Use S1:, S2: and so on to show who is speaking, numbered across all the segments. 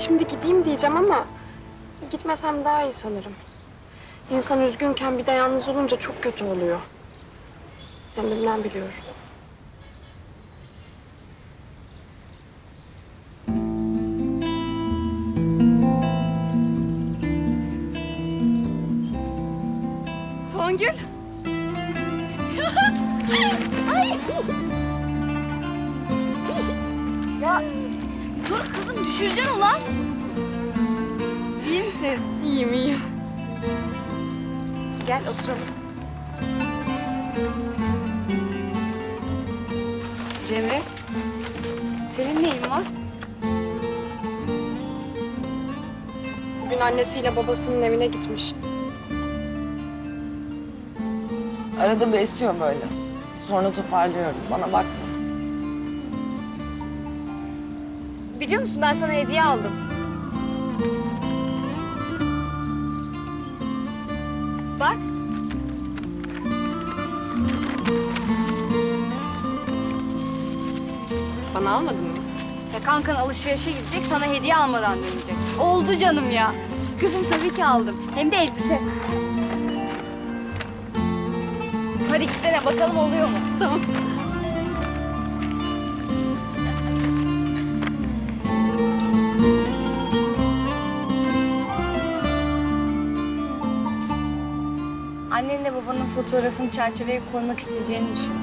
S1: şimdi gideyim diyeceğim ama gitmesem daha iyi sanırım. İnsan üzgünken bir de yalnız olunca çok kötü oluyor. Kendimden biliyorum. Songül. Ay.
S2: Ya dur kızım, düşüreceksin ulan. İyi misin?
S1: İyiyim, iyiyim.
S2: Gel oturalım. Cemre, senin neyin var?
S1: Bugün annesiyle babasının evine gitmiş.
S3: Arada bir esiyor böyle. Sonra toparlıyorum. Bana bakma.
S2: Biliyor musun, ben sana hediye aldım. Bak.
S1: Bana almadın mı?
S2: Ya kankan alışverişe gidecek, sana hediye almadan dönecek. Oldu canım ya. Kızım tabii ki aldım. Hem de elbise. Hadi gitsene bakalım oluyor mu?
S1: Tamam.
S2: Annenle babanın fotoğrafını çerçeveye koymak isteyeceğini düşün.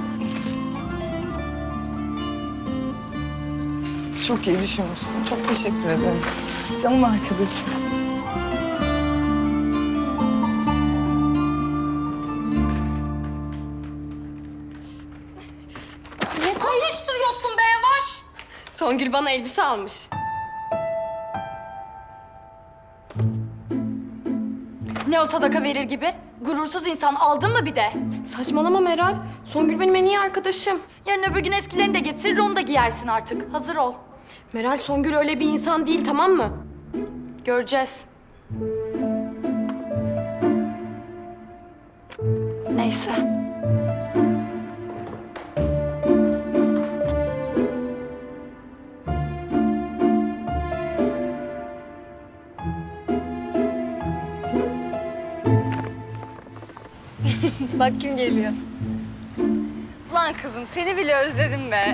S3: Çok iyi düşünmüşsün. Çok teşekkür ederim. Canım arkadaşım.
S2: Ne koşuşturuyorsun be yavaş?
S1: Songül bana elbise almış.
S4: Ne o sadaka verir gibi? Gurursuz insan, aldın mı bir de?
S1: Saçmalama Meral. Songül benim en iyi arkadaşım.
S4: Yarın öbür gün eskilerini de getirir, onu da giyersin artık. Hazır ol.
S1: Meral, Songül öyle bir insan değil, tamam mı?
S4: Göreceğiz. Neyse.
S2: Bak kim geliyor. Ulan kızım, seni bile özledim be.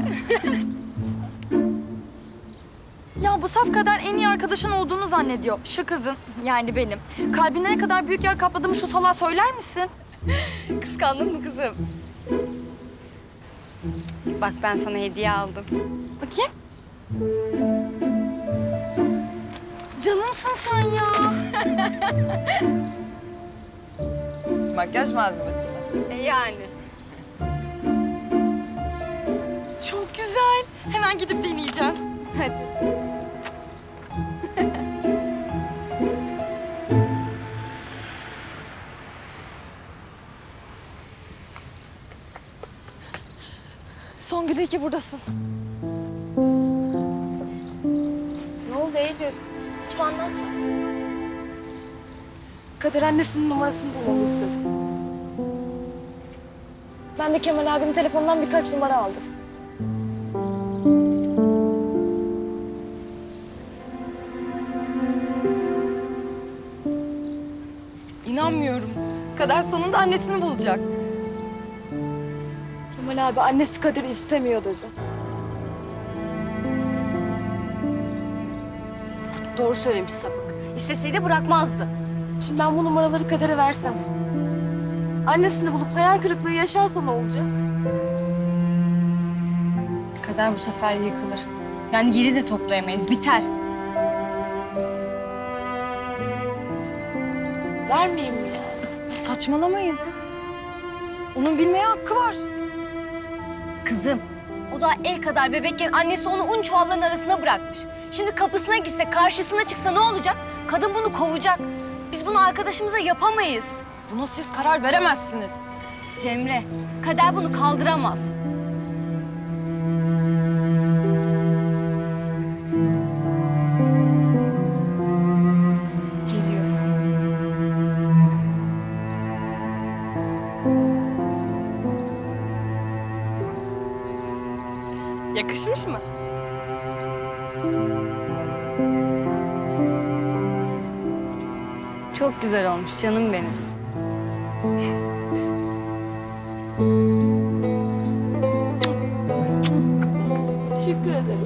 S4: Ya bu saf kadar en iyi arkadaşın olduğunu zannediyor. Şu kızın, yani benim. Kalbinde ne kadar büyük yer kapladığımı şu salağa söyler misin?
S2: Kıskandın mı kızım? Bak ben sana hediye aldım.
S4: Bakayım. Canımsın sen ya.
S3: Makyaj malzemesi mi?
S2: Yani.
S4: Çok güzel. Hemen gidip deneyeceğim.
S2: Hadi.
S3: Songül, iyi ki buradasın.
S2: Ne oldu Eylül? Otur anlat.
S1: Kader annesinin numarasını bulmamı istedi.
S5: Ben de Kemal abinin telefonundan birkaç numara aldım.
S3: İnanmıyorum. Kader sonunda annesini bulacak.
S5: Kemal abi annesi Kadir'i istemiyor dedi.
S2: Doğru söylemiş sapık. İsteseydi bırakmazdı.
S5: Şimdi ben bu numaraları Kader'e versem, annesini bulup hayal kırıklığı yaşarsa ne olacak?
S2: Kader bu sefer yıkılır. Yani geri de toplayamayız. Biter.
S5: Vermeyeyim mi yani?
S3: Saçmalamayın. Onun bilmeye hakkı var.
S2: Kızım, o daha el kadar bebekken annesi onu un çuvallarının arasına bırakmış. Şimdi kapısına gitse, karşısına çıksa ne olacak? Kadın bunu kovacak. Biz bunu arkadaşımıza yapamayız.
S3: Buna siz karar veremezsiniz.
S2: Cemre, Kader bunu kaldıramaz. Geliyor.
S1: Yakışmış mı?
S2: Çok güzel olmuş canım benim.
S5: Teşekkür ederim.